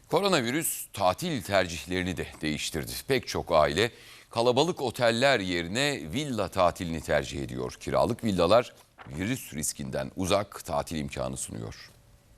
Koronavirüs tatil tercihlerini de değiştirdi. Pek çok aile kalabalık oteller yerine villa tatilini tercih ediyor. Kiralık villalar virüs riskinden uzak tatil imkanı sunuyor.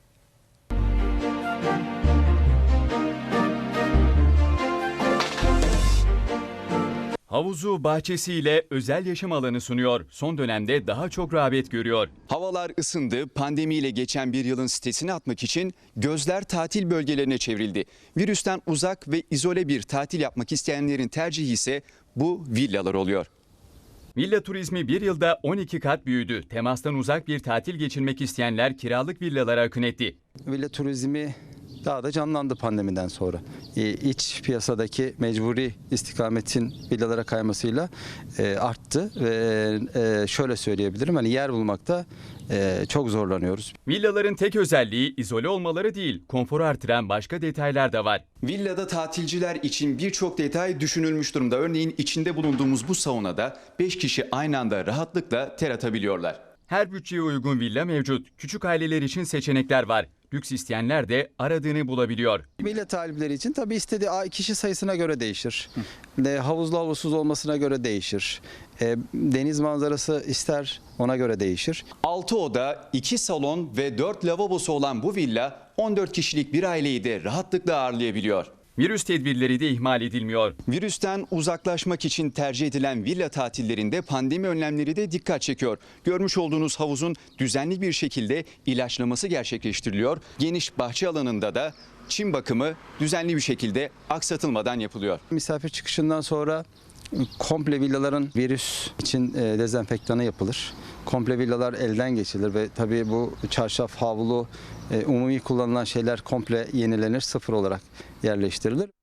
Havuzu, bahçesiyle özel yaşam alanı sunuyor. Son dönemde daha çok rağbet görüyor. Havalar ısındı, pandemiyle geçen bir yılın stresini atmak için gözler tatil bölgelerine çevrildi. Virüsten uzak ve izole bir tatil yapmak isteyenlerin tercihi ise bu villalar oluyor. Villa turizmi bir yılda 12 kat büyüdü. Temastan uzak bir tatil geçirmek isteyenler kiralık villalara akın etti. Villa turizmi daha da canlandı pandemiden sonra. İç piyasadaki mecburi istikametin villalara kaymasıyla arttı ve şöyle söyleyebilirim, hani yer bulmakta çok zorlanıyoruz. Villaların tek özelliği izole olmaları değil, konforu artıran başka detaylar da var. Villada tatilciler için birçok detay düşünülmüş durumda. Örneğin içinde bulunduğumuz bu saunada 5 kişi aynı anda rahatlıkla ter atabiliyorlar. Her bütçeye uygun villa mevcut. Küçük aileler için seçenekler var. Lüks isteyenler de aradığını bulabiliyor. Villa talipleri için tabii istediği kişi sayısına göre değişir. Havuzlu havuzsuz olmasına göre değişir. Deniz manzarası ister, ona göre değişir. 6 oda, 2 salon ve 4 lavabosu olan bu villa 14 kişilik bir aileyi de rahatlıkla ağırlayabiliyor. Virüs tedbirleri de ihmal edilmiyor. Virüsten uzaklaşmak için tercih edilen villa tatillerinde pandemi önlemleri de dikkat çekiyor. Görmüş olduğunuz havuzun düzenli bir şekilde ilaçlaması gerçekleştiriliyor. Geniş bahçe alanında da çim bakımı düzenli bir şekilde aksatılmadan yapılıyor. Misafir çıkışından sonra komple villaların virüs için dezenfektanı yapılır. Komple villalar elden geçirilir ve tabii bu çarşaf, havlu, umumi kullanılan şeyler komple yenilenir, sıfır olarak yerleştirilir.